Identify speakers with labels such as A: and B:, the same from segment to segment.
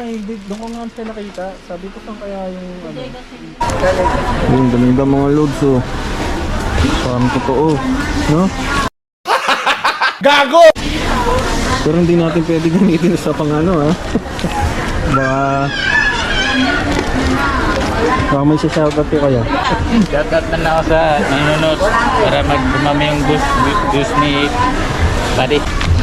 A: hindi. Doon ko nga siya nakita. Sabi ko saan kaya yung ano.
B: Yung ganda mga loads oh. Parang totoo. No?
A: Gago!
B: Pero hindi natin pwede gamitin sa pang ano ha. Baka may shoutout ko kaya.
C: Shoutout na lang ako sa nanonood para magdumami yung views ni Buddy.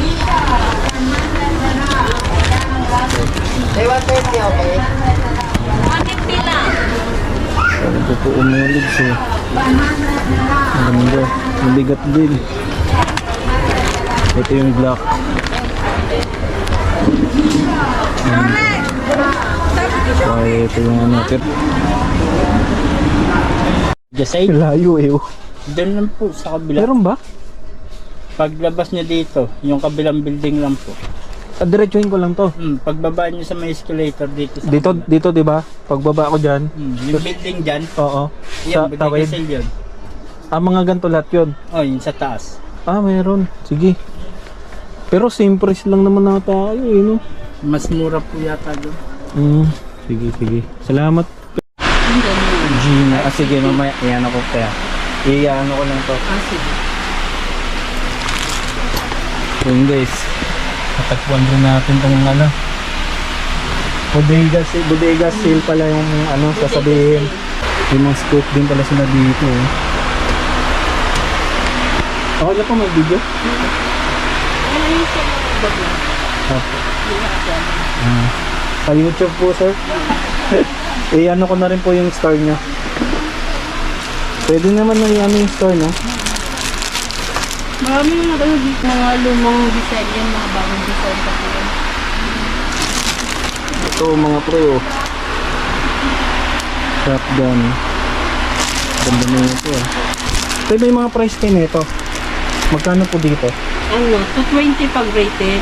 B: Parang totoo mga loads oh. Ang ganda. Mabigat din. Ito yung black. Ito yung ano.
C: Just say,
B: Layo eh oh.
C: doon lang po sa kabila.
B: Meron ba?
C: Paglabas niya dito, yung kabilang building lang po.
B: Diretsuhin ko lang to.
C: Pagbaba niyo sa may escalator dito sa
B: Dito 'di ba? Pagbaba ko diyan.
C: yung building dyan,
B: Oo.
C: yan,
B: Sa tawid.
C: Bodega Sale yun.
B: Mga ganito lahat 'yon.
C: Oh, yun sa taas.
B: Meron. Sige. Pero same price lang naman na tayo eh, no?
C: Mas mura po yata doon.
B: Sige. Salamat. Gina. Sige, mamaya. Iyan ako kaya. Iyan ko lang to.
C: Sige.
B: Yun guys. Natagpuan rin natin tong ano. Bodega sale pala yung ano sasabihin. Yung mga scoop din pala sila dito eh. Okay lang po may video? Sa YouTube po sir. Ano ko na rin po yung store niya. Pwede naman na ano yung store no?
D: Marami na dito mga lumang design yan, mga bagong design pa po yan.
B: Ito mga pre oh. Shotgun. Ganda na ito eh. Ito may mga price din ito. Magkano po dito?
D: Ano, 220 pag retail.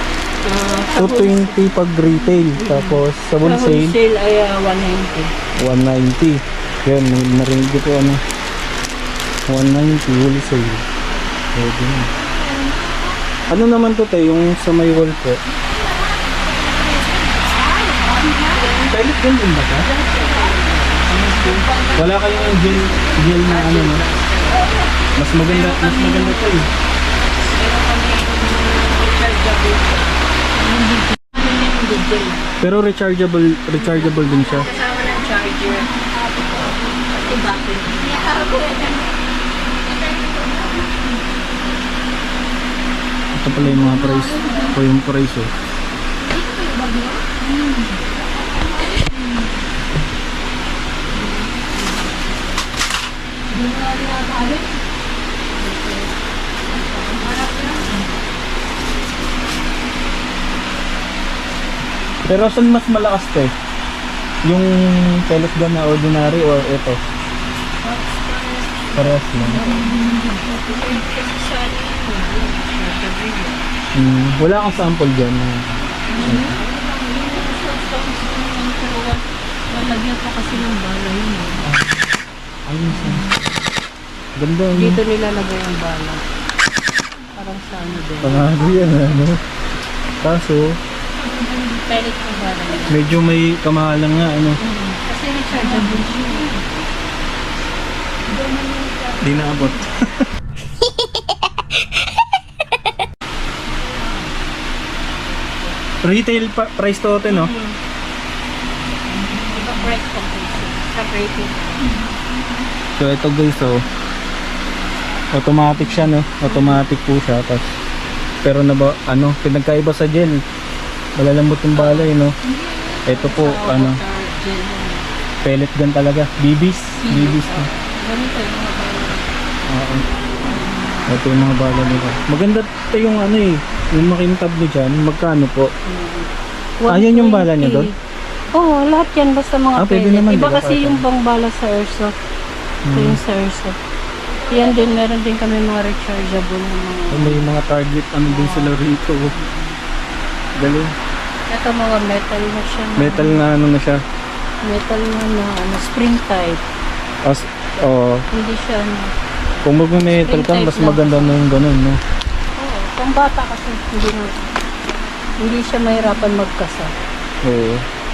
B: 220 pag retail. Tapos sa
D: Sa
B: wholesale
D: wholesale ay
B: 190.
D: 190.
B: Yan, narinig ko ano. 190 wholesale. Pwede na. Ano naman to tayo yung sa may wall po?
A: Pilot gun din ba ka?
B: Wala kayong gel na ano no? Mas maganda to eh. Pero rechargeable din siya.
D: Kasama ng charger. Pati battery.
B: Ito pala yung mga price. O yung price oh. Pero saan mas malakas to eh? Yung pellet gun na ordinary or ito? Parehas lang. Wala kang sample dyan.
D: Lalagyan pa kasi ng bala yun.
B: Ayun sa. Ganda yun.
D: Dito nilalagay ang bala. Parang sa ano din.
B: Pangado yan ano. Kaso,
D: Pellet ng bala yun.
B: medyo may kamahalan nga ano.
D: Kasi rechargeable siya.
B: Di naabot. Retail price to ito no?
D: Iba price comparison. Sa rating.
B: So ito guys oh. Automatic siya no? Automatic po siya. Pero na ba, ano, pinagkaiba sa gel. Malalambot yung balay no? Ito po ano, pellet gun talaga. BBs no?
D: Ganito yung mga bala.
B: Oo. Ito yung mga bala nila. Maganda ito yung ano eh. Yung makintab nyo dyan. Magkano po? Ayun yung bala niya doon?
D: Oo, lahat yan. Basta mga
B: Pwede
D: pellet.
B: naman,
D: Iba
B: di ba,
D: kasi
B: kahit
D: yung bang bala sa airsoft. Ito yung sa airsoft. Yan din, meron din kami mga rechargeable na mga...
B: May mga target ano din sila rito. Galing.
D: Ito mga metal na siya.
B: Metal na ano na siya.
D: Metal na ano, spring type. Hindi siya ano.
B: Kung mag-metal ka, mas maganda na yung ganun, no?
D: Oo, pang bata kasi hindi siya mahirapan magkasa.
B: Oo.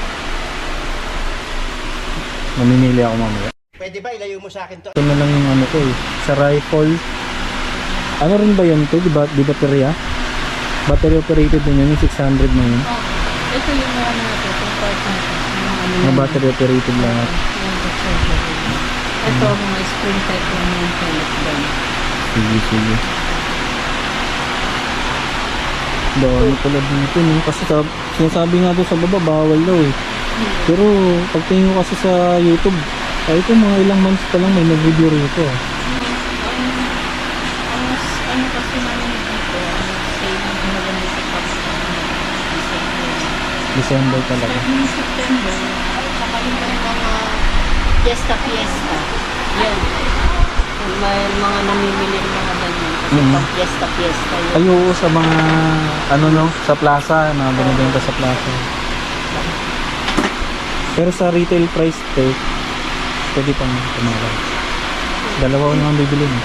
B: Mamimili ako mamaya.
E: Pwede ba ilayo mo sa akin to?
B: Ito na lang yung ano ko eh. Sa rifle. Ano rin ba yun to? Di baterya? Battery operated din yun, yung 600 na yun.
D: Ito yung mga natin, itong part natin.
B: Mga battery operated lahat.
D: Ito, mga spring type lang yung pellet gun.
B: Sige. Dami pala dito no? Kasi sinasabi nga doon sa baba, bawal daw eh. Pero pagtingin ko kasi sa YouTube, ay ko mga ilang months pa lang may nag-video rito ah.
D: Ano kasi namin dito, same maganda sa
B: December talaga.
D: Starting September, saka yung mga fiesta. Yan. May mga namimili ng mga ganyan. Kasi pag fiesta yun.
B: Ay oo, sa mga ano no, sa plaza, mga binibenta sa plaza. Pero sa retail price tag, pwede pang tumawag. Dalawa ko naman bibili mo.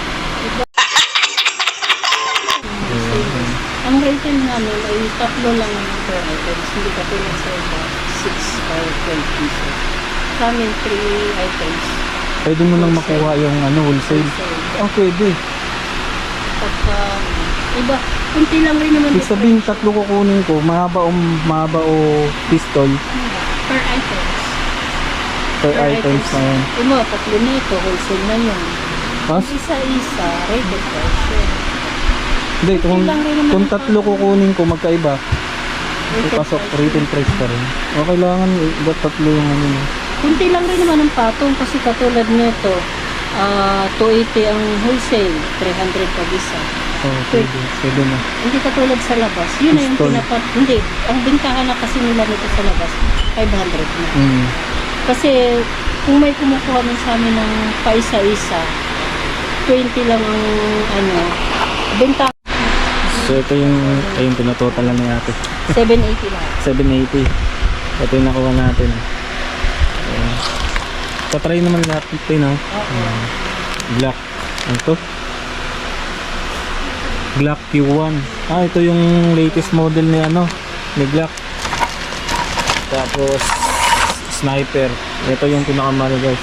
D: Ang retail namin ay tatlo lang per items. Hindi ka tulad sa iba, 6 or 12 pieces. Sa amin, 3 items.
B: Pwede mo nang makuha yung ano, wholesale. Oh, pwede.
D: Pagka, iba, kunti lang rin naman.
B: Ibig sabihin, tatlo kukunin ko, mahaba o pistol
D: Per items.
B: per items na yan.
D: Ano, tatlo nito, wholesale na yun.
B: Mas?
D: Isa-isa, rated price yun.
B: Hindi, kung
D: lang rin naman ang
B: tatlo kukunin ko, magkaiba.
D: Rated
B: Pasok,
D: price.
B: retail price pa rin. O, kailangan, ba't tatlo yung ano mo?
D: Kunti lang rin naman ang patong kasi katulad nito, 280 ang wholesale, 300 pag isa.
B: Oh, pwede na.
D: Hindi katulad sa labas. Yun na yung
B: Pistol.
D: hindi. Ang bintahan na kasi nila nito sa labas, 500 na. Kasi kung may kumukuha man sa amin ng paisa-isa, 20 lang ang ano, benta
B: So, ito yung, ayun, pinatotalan ni ate.
D: 780 lang.
B: 780. Ito yung nakuha natin. Ayan. Patry naman lahat ito, no? Glock. Ano to? Glock Q1. Ah, ito yung latest model ni ano, ni Glock. Tapos sniper. Ito yung pinakamahal, guys.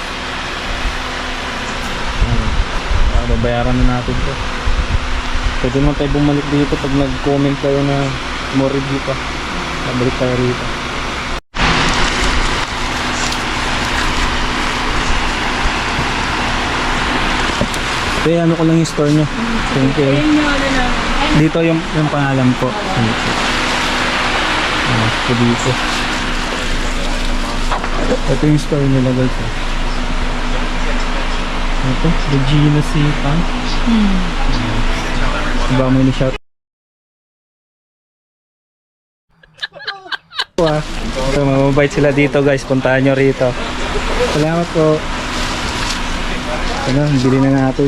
B: Babayaran na natin to. Pwede naman tayo bumalik dito pag nag-comment kayo na more review pa. Nabalik tayo rito. Kaya ano ko lang yung store nyo. Thank you.
D: Ayun yung ano lang.
B: Dito yung pangalan po. Ito dito. Ito yung store nila, guys. Ito, the Gina Sipan. Diba mo ni-shout? So, mababait sila dito, guys. Puntahan nyo rito. Salamat po. Ano, bili na natin.